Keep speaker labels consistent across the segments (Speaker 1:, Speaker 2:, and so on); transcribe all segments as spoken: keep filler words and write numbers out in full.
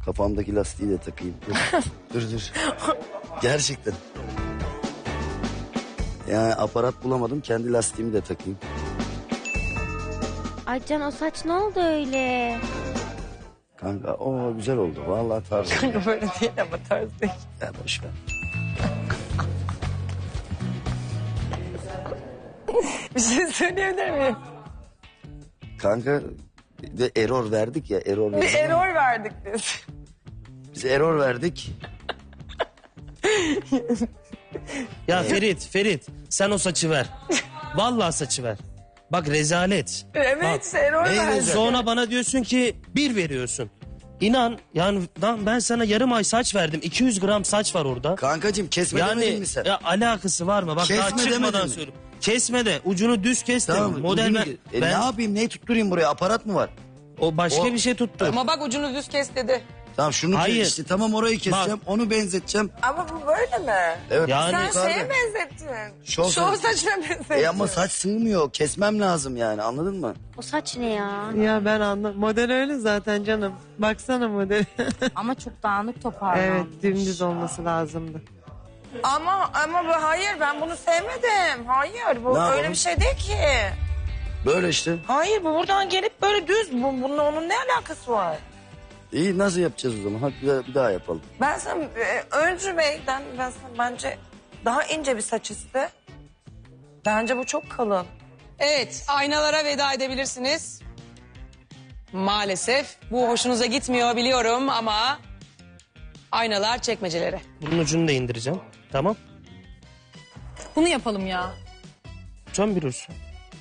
Speaker 1: Kafamdaki lastiği de takayım. Dur dur. dur. Gerçekten. Yani aparat bulamadım, kendi lastiğimi de takayım.
Speaker 2: Ay Can, o saç ne oldu öyle?
Speaker 1: Kanka o güzel oldu. Vallahi tarzı.
Speaker 3: Kanka böyle değil ama tarz değil.
Speaker 1: Ya boş ver.
Speaker 3: Bir şey söyleyebilir miyim?
Speaker 1: Kanka bir de error verdik ya. Error
Speaker 3: Bir
Speaker 1: verdik.
Speaker 3: error verdik biz.
Speaker 1: Biz error verdik.
Speaker 4: Ya Ferit, Ferit sen o saçı ver. Vallahi saçı ver. Bak rezalet.
Speaker 3: Evet
Speaker 4: Bak,
Speaker 3: işte error
Speaker 1: neyi
Speaker 3: verdik.
Speaker 1: rezalet?
Speaker 4: sonra bana diyorsun ki bir veriyorsun. İnan yani lan ben sana yarım ay saç verdim. iki yüz gram saç var orada.
Speaker 1: Kankacığım kesme demedin
Speaker 4: Yani
Speaker 1: mi sen?
Speaker 4: ya alakası var mı? Bak
Speaker 1: Kesme
Speaker 4: daha çıkmadan
Speaker 1: demedin mi?
Speaker 4: söylüyorum. Kesme de ucunu düz kes de.
Speaker 1: Tamam,
Speaker 4: Model
Speaker 1: ucunu-
Speaker 4: ben,
Speaker 1: E,
Speaker 4: ben
Speaker 1: ne yapayım, neyi tutturayım buraya, aparat mı var?
Speaker 4: o başka
Speaker 1: O-
Speaker 4: bir şey tuttu.
Speaker 3: Ama bak ucunu düz kes dedi.
Speaker 1: Tamam şunu
Speaker 4: Hayır.
Speaker 1: kes işte, tamam orayı keseceğim, onu benzeteceğim.
Speaker 3: Ama bu böyle mi?
Speaker 1: Evet.
Speaker 4: Yani-
Speaker 3: Sen
Speaker 1: yukarıda.
Speaker 3: şeye benzettin.
Speaker 1: Şov
Speaker 3: Şov
Speaker 1: saç-
Speaker 3: saçına benzettin.
Speaker 1: E ama saç sığmıyor, kesmem lazım yani, anladın mı?
Speaker 2: O saç ne ya?
Speaker 5: Ya ben anladım. Model öyle zaten canım. Baksana model.
Speaker 6: Ama çok dağınık toparlanmış.
Speaker 5: Evet, dümdüz olması lazımdı.
Speaker 3: Ama ama bu hayır, ben bunu sevmedim. Hayır, bu
Speaker 1: Ne
Speaker 3: öyle
Speaker 1: yapalım?
Speaker 3: bir şey değil ki.
Speaker 1: Böyle işte.
Speaker 3: Hayır, bu buradan gelip böyle düz. Bu, bunun onun ne alakası var?
Speaker 1: İyi, nasıl yapacağız o zaman? Hadi bir daha, bir daha yapalım.
Speaker 3: Ben sana e, Öncü Bey'den ben sana bence daha ince bir saç iste. Bence bu çok kalın.
Speaker 7: Evet, aynalara veda edebilirsiniz. Maalesef bu hoşunuza gitmiyor biliyorum ama aynalar çekmecelere.
Speaker 4: Bunun ucunu da indireceğim. Tamam.
Speaker 8: Bunu yapalım ya.
Speaker 4: Son bir uç.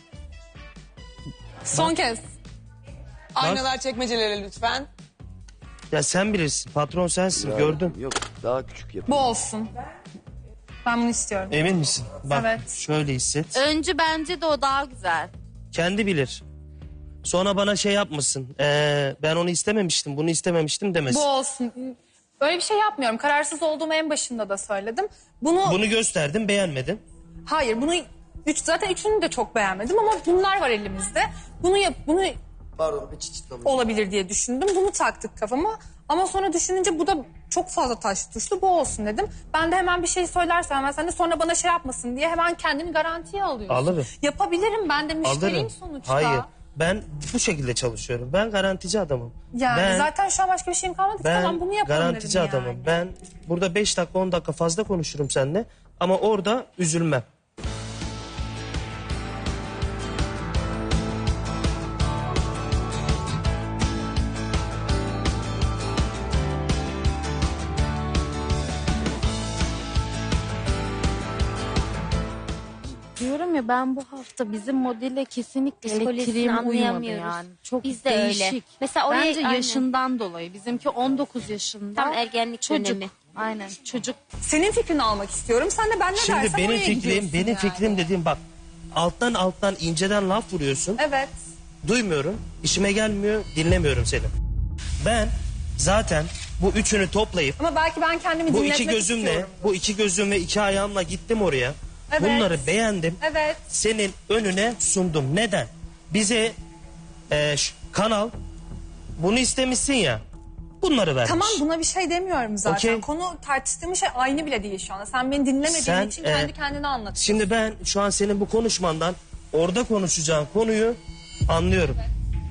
Speaker 8: Son kez.
Speaker 7: Aynalar çekmecelere lütfen.
Speaker 4: Ya sen bilirsin. Patron sensin.
Speaker 1: Ya,
Speaker 4: Gördüm.
Speaker 1: Yok, daha küçük yap.
Speaker 8: Bu olsun. Ben bunu istiyorum.
Speaker 4: Emin misin? Bak
Speaker 8: Evet.
Speaker 4: şöyle hisset.
Speaker 6: Öncü bence de o daha güzel.
Speaker 4: Kendi bilir. Sonra bana şey yapmasın. Ee, ben onu istememiştim, bunu istememiştim demesin.
Speaker 8: Bu olsun. Öyle bir şey yapmıyorum. Kararsız olduğumu en başında da söyledim. Bunu,
Speaker 4: Bunu gösterdim, beğenmedin.
Speaker 8: hayır bunu üç, zaten üçünü de çok beğenmedim ama bunlar var elimizde. Bunu yap, bunu
Speaker 1: Pardon, bir çıçıtlamış.
Speaker 8: olabilir diye düşündüm. Bunu taktık kafama. Ama sonra düşününce bu da çok fazla taş tuşlu. Bu olsun dedim. Ben de hemen bir şey söylersem hemen sen de sonra bana şey yapmasın diye hemen kendini garantiye alıyorsun.
Speaker 4: Alırım.
Speaker 8: Yapabilirim, ben de müşteriyim
Speaker 4: Alırım.
Speaker 8: sonuçta.
Speaker 4: Hayır. Ben bu şekilde çalışıyorum. Ben garantici adamım.
Speaker 8: Yani
Speaker 4: ben,
Speaker 8: zaten şu an başka bir şeyim kalmadı.
Speaker 4: ben
Speaker 8: Tamam bunu yapalım
Speaker 4: garantici
Speaker 8: dedim
Speaker 4: adamım.
Speaker 8: yani.
Speaker 4: Ben burada beş dakika on dakika fazla konuşurum seninle. Ama orada üzülmem.
Speaker 6: Diyorum ya ben bu hafta bizim modelle kesinlikle
Speaker 2: Psikolojisini
Speaker 6: elektriğim uymadı
Speaker 2: anlayamıyoruz.
Speaker 6: yani. Çok
Speaker 2: Biz de öyle.
Speaker 6: değişik.
Speaker 2: Mesela oraya-
Speaker 6: Bence
Speaker 2: aynen.
Speaker 6: yaşından dolayı. Bizimki on dokuz yaşında.
Speaker 2: Tam ergenlik
Speaker 6: çocuk.
Speaker 2: dönemi.
Speaker 6: Aynen çocuk.
Speaker 8: Senin fikrini almak istiyorum. Sen de ben ne
Speaker 4: Şimdi
Speaker 8: dersem
Speaker 4: benim
Speaker 8: oraya
Speaker 4: fikrim,
Speaker 8: gidiyorsun
Speaker 4: benim
Speaker 8: yani.
Speaker 4: fikrim dediğim bak. Alttan alttan inceden laf vuruyorsun.
Speaker 8: Evet.
Speaker 4: Duymuyorum, işime gelmiyor, dinlemiyorum seni. Ben zaten bu üçünü toplayıp
Speaker 8: Ama belki ben kendimi
Speaker 4: bu
Speaker 8: dinletmek
Speaker 4: iki gözümle,
Speaker 8: istiyorum.
Speaker 4: bu iki gözüm ve iki ayağımla gittim oraya.
Speaker 8: Evet.
Speaker 4: Bunları beğendim.
Speaker 8: Evet.
Speaker 4: Senin önüne sundum. Neden? Bize e, ş- kanal bunu istemişsin ya. Bunları vermiş.
Speaker 8: Tamam, buna bir şey demiyorum zaten.
Speaker 4: Okey.
Speaker 8: Konu tartıştığımız şey aynı bile değil şu anda. Sen beni dinlemediğin
Speaker 4: Sen,
Speaker 8: için
Speaker 4: e,
Speaker 8: kendi kendine anlatıyorsun.
Speaker 4: Şimdi ben şu an senin bu konuşmandan orada konuşacağın konuyu anlıyorum.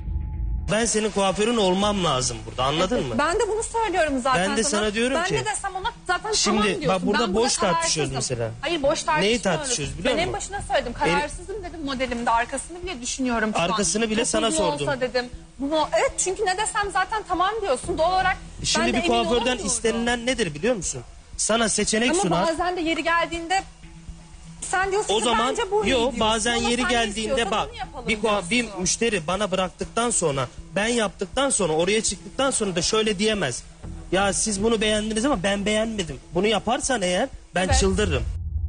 Speaker 4: Ben senin kuaförün olmam lazım burada, anladın mı?
Speaker 8: Ben de bunu söylüyorum zaten
Speaker 4: Ben de sana diyorum
Speaker 8: ben
Speaker 4: ki-
Speaker 8: Ben ne desem ona zaten
Speaker 4: Şimdi
Speaker 8: tamam diyorsun.
Speaker 4: bak burada
Speaker 8: Ben
Speaker 4: boş
Speaker 8: kararsızım.
Speaker 4: tartışıyoruz mesela.
Speaker 8: Hayır, boş tartışmıyoruz.
Speaker 4: tartışıyoruz biliyor
Speaker 8: Ben en
Speaker 4: musun?
Speaker 8: başına söyledim. Kararsızım dedim modelimde. Arkasını bile düşünüyorum şu an.
Speaker 4: Arkasını bile
Speaker 8: Çok
Speaker 4: sana
Speaker 8: uzun
Speaker 4: sordum.
Speaker 8: olsa dedim. Bunu, evet, çünkü ne desem zaten tamam diyorsun. Doğal olarak
Speaker 4: Şimdi
Speaker 8: ben de
Speaker 4: bir
Speaker 8: emin
Speaker 4: kuaförden
Speaker 8: olamıyorum.
Speaker 4: istenilen nedir biliyor musun? Sana seçenek
Speaker 8: Ama
Speaker 4: sunar.
Speaker 8: bazen de yeri geldiğinde sen diyorsun
Speaker 4: O
Speaker 8: ki
Speaker 4: zaman
Speaker 8: bence bu iyi
Speaker 4: yok
Speaker 8: diyorsun.
Speaker 4: bazen
Speaker 8: Ama
Speaker 4: yeri
Speaker 8: sen
Speaker 4: geldiğinde
Speaker 8: istiyorsan
Speaker 4: bak
Speaker 8: bunu yapalım
Speaker 4: bir, kua- bir
Speaker 8: diyorsun.
Speaker 4: müşteri bana bıraktıktan sonra ben yaptıktan sonra oraya çıktıktan sonra da şöyle diyemez. Ya siz bunu beğendiniz ama ben beğenmedim. Bunu yaparsan eğer ben
Speaker 8: Evet.
Speaker 4: çıldırırım.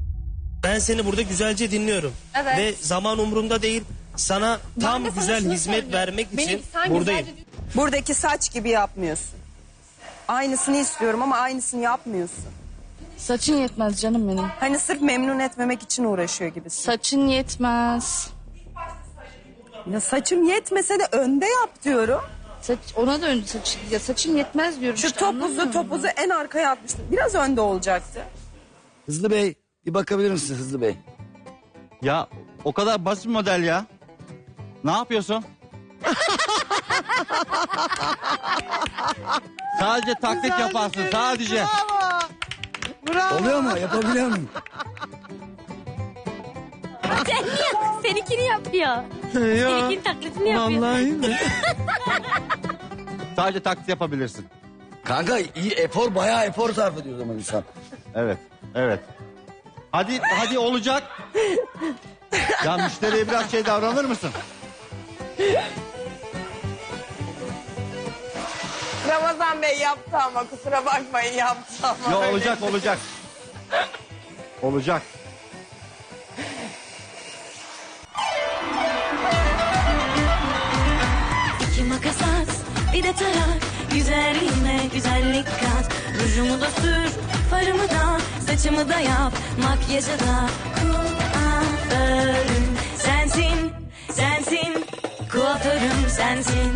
Speaker 4: Ben seni burada güzelce dinliyorum.
Speaker 8: Evet.
Speaker 4: Ve zaman umurumda değil. Sana
Speaker 8: Ben
Speaker 4: tam
Speaker 8: de sana
Speaker 4: güzel
Speaker 8: şunu
Speaker 4: hizmet
Speaker 8: söylüyorum.
Speaker 4: vermek
Speaker 8: Beni
Speaker 4: için
Speaker 8: sen
Speaker 4: buradayım.
Speaker 8: güzelce-
Speaker 3: Buradaki saç gibi yapmıyorsun. Aynısını istiyorum ama aynısını yapmıyorsun.
Speaker 6: Saçın yetmez canım benim.
Speaker 3: Hani sırf memnun etmemek için uğraşıyor gibisin.
Speaker 6: Saçın yetmez.
Speaker 3: Ya saçım yetmese de önde yap diyorum.
Speaker 6: Saç, ona da önce saç, ya saçın yetmez diyorum
Speaker 3: Şu
Speaker 6: işte, anlamıyor
Speaker 3: topuzu
Speaker 6: musun?
Speaker 3: topuzu en arkaya atmıştım. Biraz önde olacaktı.
Speaker 1: Hızlı Bey bir bakabilir misin Hızlı Bey?
Speaker 9: Ya o kadar basit model ya. Ne yapıyorsun? Sadece taklit
Speaker 5: Güzel
Speaker 9: yaparsın
Speaker 5: bir şey.
Speaker 9: sadece.
Speaker 5: Bravo. Bravo.
Speaker 1: Oluyor mu? Yapabiliyor muyum?
Speaker 2: Sen niye? Seninkini yapıyor.
Speaker 5: Yok.
Speaker 2: Seninkinin taklitini yapıyor.
Speaker 5: Vallahi mi?
Speaker 9: Sadece taklit yapabilirsin.
Speaker 1: Kanka iyi efor bayağı efor sarf ediyor o zaman insan.
Speaker 9: Evet, evet. Hadi, hadi olacak. Ya müşteriye biraz şey davranır mısın?
Speaker 3: Ramazan Bey yaptı ama kusura bakmayın yaptı ama.
Speaker 9: Ya olacak, olacak. Olacak.
Speaker 10: İki makas at, bir de tarak. Güzelliğime güzellik kat. Rujumu da sür, farımı da, saçımı da yap. Makyajı da kuaförüm sensin, sensin. Kuaförüm sensin.